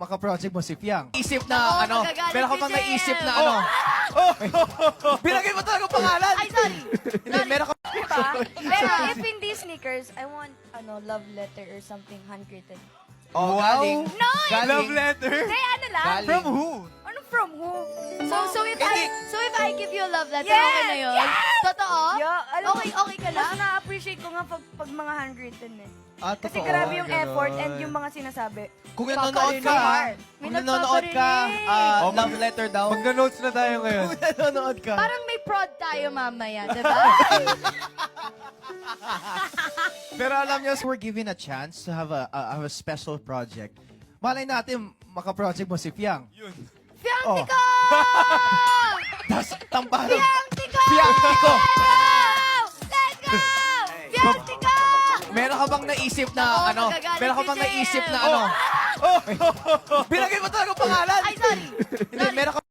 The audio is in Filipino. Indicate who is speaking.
Speaker 1: makaproject mo si Fiang.
Speaker 2: Isip na
Speaker 3: Oo,
Speaker 2: ano,
Speaker 3: magagalit
Speaker 2: meron ka
Speaker 3: si
Speaker 2: bang
Speaker 3: Jem.
Speaker 2: naisip na ano? Bilagay mo talaga pangalan!
Speaker 3: Ay, sorry.
Speaker 2: Hindi, meron ka...
Speaker 4: Diba? Pero if hindi sneakers, I want love letter or something handwritten.
Speaker 2: Oh,
Speaker 1: Wow.
Speaker 2: galing.
Speaker 4: No!
Speaker 2: Galing.
Speaker 1: Love letter?
Speaker 4: Kaya ano lang?
Speaker 2: Galing.
Speaker 1: From who?
Speaker 4: Ano from who?
Speaker 3: So if I give you a love letter,
Speaker 4: Yes!
Speaker 3: okay na yun? Totoo?
Speaker 4: Yeah, alam mo,
Speaker 3: Okay ka
Speaker 4: mas
Speaker 3: lang?
Speaker 4: na-appreciate ko nga pag mga handwritten eh.
Speaker 1: Ah,
Speaker 4: Kasi
Speaker 1: totoo.
Speaker 4: grabe yung
Speaker 1: Ganon.
Speaker 4: effort and yung mga sinasabi.
Speaker 2: Kung nanonood ka,
Speaker 4: May
Speaker 2: kung nanonood ka,
Speaker 4: nagpaparinig.
Speaker 2: love letter daw.
Speaker 1: Magna-notes na tayo ngayon.
Speaker 2: Kung nanonood ka.
Speaker 3: Parang may prod tayo mamaya, di ba?
Speaker 1: Pero alam niyo, we're given a chance to have a special project. Malay natin, makaproject mo si Fiang.
Speaker 3: Fiantico!
Speaker 1: Tapos, tampalo.
Speaker 3: Fiantico!
Speaker 2: Fiantico!
Speaker 3: Let's go! Fiantico!
Speaker 2: Meron ka bang naisip na
Speaker 3: Oo,
Speaker 2: ano?
Speaker 3: magagalit
Speaker 2: Meron ka
Speaker 3: si
Speaker 2: bang
Speaker 3: Jem.
Speaker 2: naisip na ano? Bilagay mo talaga pangalan!
Speaker 3: Ay, sorry.
Speaker 2: Hindi, meron ka